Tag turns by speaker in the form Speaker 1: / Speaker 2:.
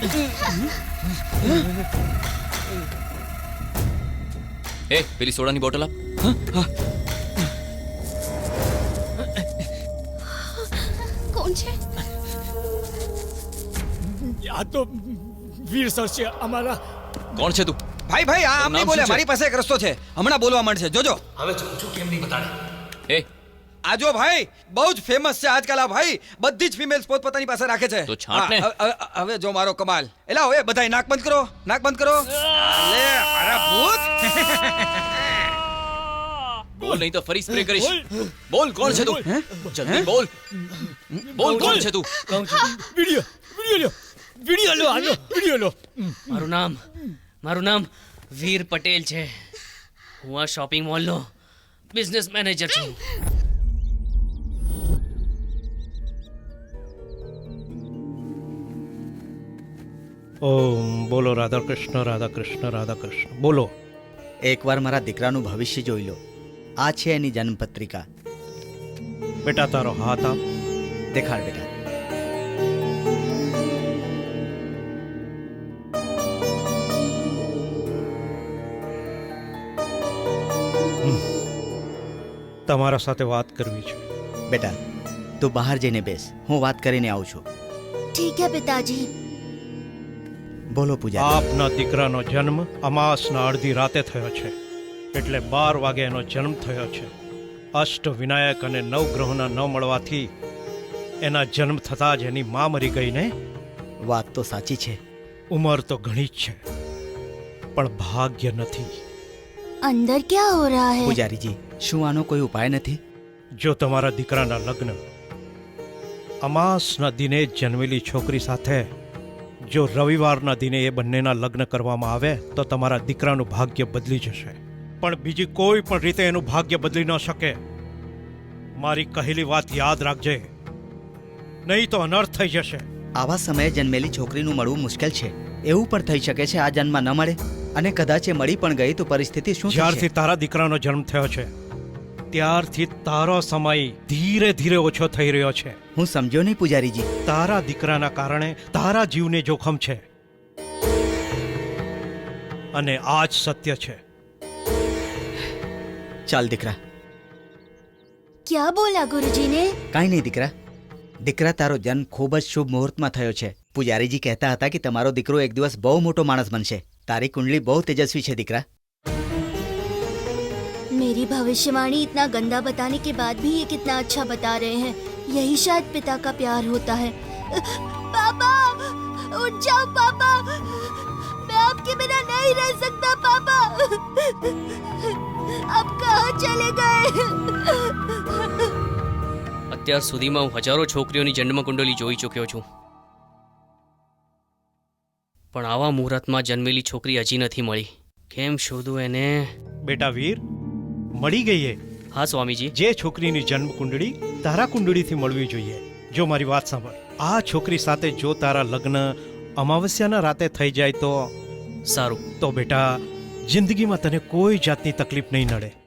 Speaker 1: એ પેલી સોડાની બોટલ આપ.
Speaker 2: કોણ છે?
Speaker 3: આ તો વીર સર છે અમારા.
Speaker 1: કોણ છે તું?
Speaker 4: ભાઈ ભાઈ આ આમ નહીં બોલે, મારી પાસે એક રસ્તો છે, હમણાં બોલવા માંડશે, જોજો.
Speaker 5: હવે છું કેમ નહીં બતાડે.
Speaker 1: એ
Speaker 4: આ જો ભાઈ બહુ જ ફેમસ છે આજકાલ આ ભાઈ, બધી જ ફિમેલ્સ પોતપોતાની પાસે રાખે છે.
Speaker 1: તો છાંટ ને.
Speaker 4: હવે જો મારો કમાલ. એલા હવે બધાય નાક બંધ કરો, નાક બંધ કરો. લે મારા ભૂત.
Speaker 1: બોલ નહીં તો ફરી સ્પ્રે કરીશ. બોલ કોણ છે તું? જલ્દી બોલ. બોલ કોણ છે તું?
Speaker 3: વિડિયો લો, આનો વિડિયો લો.
Speaker 6: મારું નામ વીર પટેલ છે. હું આ શોપિંગ મોલનો બિઝનેસ મેનેજર છું.
Speaker 7: ઓમ બોલો રાધા કૃષ્ણ રાધા કૃષ્ણ રાધા કૃષ્ણ. બોલો.
Speaker 8: એકવાર મારા દીકરાનું ભવિષ્ય જોઈ લો. આ છે એની જન્મપત્રિકા.
Speaker 7: બેટા તારો હાથ આપ.
Speaker 8: દેખાડ બેટા.
Speaker 7: તમારા સાથે વાત કરવી છે.
Speaker 8: બેટા તું બહાર જઈને બેસ, હું વાત કરીને આવું છું.
Speaker 2: ठीक है पिताजी.
Speaker 8: બોલો પૂજા.
Speaker 7: આપના દીકરાનો જન્મ અમાસના અડધી રાતે થયો છે, એટલે 12 વાગે એનો જન્મ થયો છે. અષ્ટ વિનાયક અને નવ ગ્રહોના ન મળવાથી એના જન્મ થતાં જ એની મા મરી ગઈ ને.
Speaker 8: વાત તો સાચી છે.
Speaker 7: ઉંમર તો ઘણી જ છે, પણ ભાગ્ય નથી.
Speaker 2: अंदर क्या हो रहा है?
Speaker 8: પૂજારીજી, શું આનો કોઈ ઉપાય નથી?
Speaker 7: જો તમારા દીકરાના લગ્ન અમાસના દિને જ જન્મેલી છોકરી સાથે જો રવિવારના દિને એ બંનેના લગ્ન કરવામાં આવે તો તમારા દીકરાનું ભાગ્ય બદલી જશે. પણ બીજી કોઈ પણ રીતે એનું ભાગ્ય બદલી ન શકે. મારી કહેલી વાત યાદ રાખજે, નહીં તો અનર્થ થઈ જશે.
Speaker 8: આવા સમયે જન્મેલી છોકરીનું મળવું મુશ્કેલ છે. એવું પણ થઈ શકે છે આ જન્મમાં ન મળે, અને કદાચ એ મળી પણ ગઈ તો પરિસ્થિતિ શું
Speaker 7: જ્યારથી
Speaker 8: થશે?
Speaker 7: તારા દીકરાનો જન્મ થયો છે ત્યારથી તારો સમય ધીરે ધીરે ઓછો થઈ રહ્યો છે.
Speaker 8: હું સમજ્યો નહીં પૂજારીજી.
Speaker 7: તારા દીકરાના કારણે તારા જીવને જોખમ છે, અને આ જ સત્ય છે.
Speaker 8: ચાલ દીકરા.
Speaker 2: क्या बोला गुरुजी ने?
Speaker 8: કાંઈ નહીં દીકરા. દીકરા તારો જન્મ ખૂબ જ શુભ મુહૂર્તમાં થયો છે. પૂજારીજી કહેતા હતા કે તમારો દીકરો એક દિવસ બહુ મોટો માણસ બનશે. તારી કુંડલી બહુ તેજસ્વી છે દીકરા.
Speaker 2: मेरी भविष्यवाणी इतना गंदा बताने के बाद भी ये कितना अच्छा बता रहे हैं. यही शायद पिता का प्यार होता है. पापा उठ जाओ पापा, मैं आपके बिना नहीं रह सकता पापा. आप कहाँ चले गए?
Speaker 6: અત્યાર સુધીમાં હું હજારો છોકરીઓની જન્મકુંડલી જોઈ ચૂક્યો છું, પણ આવા મુહૂર્તમાં જન્મેલી છોકરી હજી નથી મળી. કેમ શોધું એને?
Speaker 7: બેટા વીર, મળી ગઈ એ.
Speaker 6: હા સ્વામીજી.
Speaker 7: જે છોકરીની જન્મ કુંડળી તારા કુંડળીથી મળવી જોઈએ. જો મારી વાત સાંભળ, આ છોકરી સાથે જો તારા લગ્ન અમાવસ્યાના રાતે થઈ જાય તો
Speaker 6: સારું.
Speaker 7: તો બેટા જિંદગીમાં તને કોઈ જાતની તકલીફ નહીં નડે.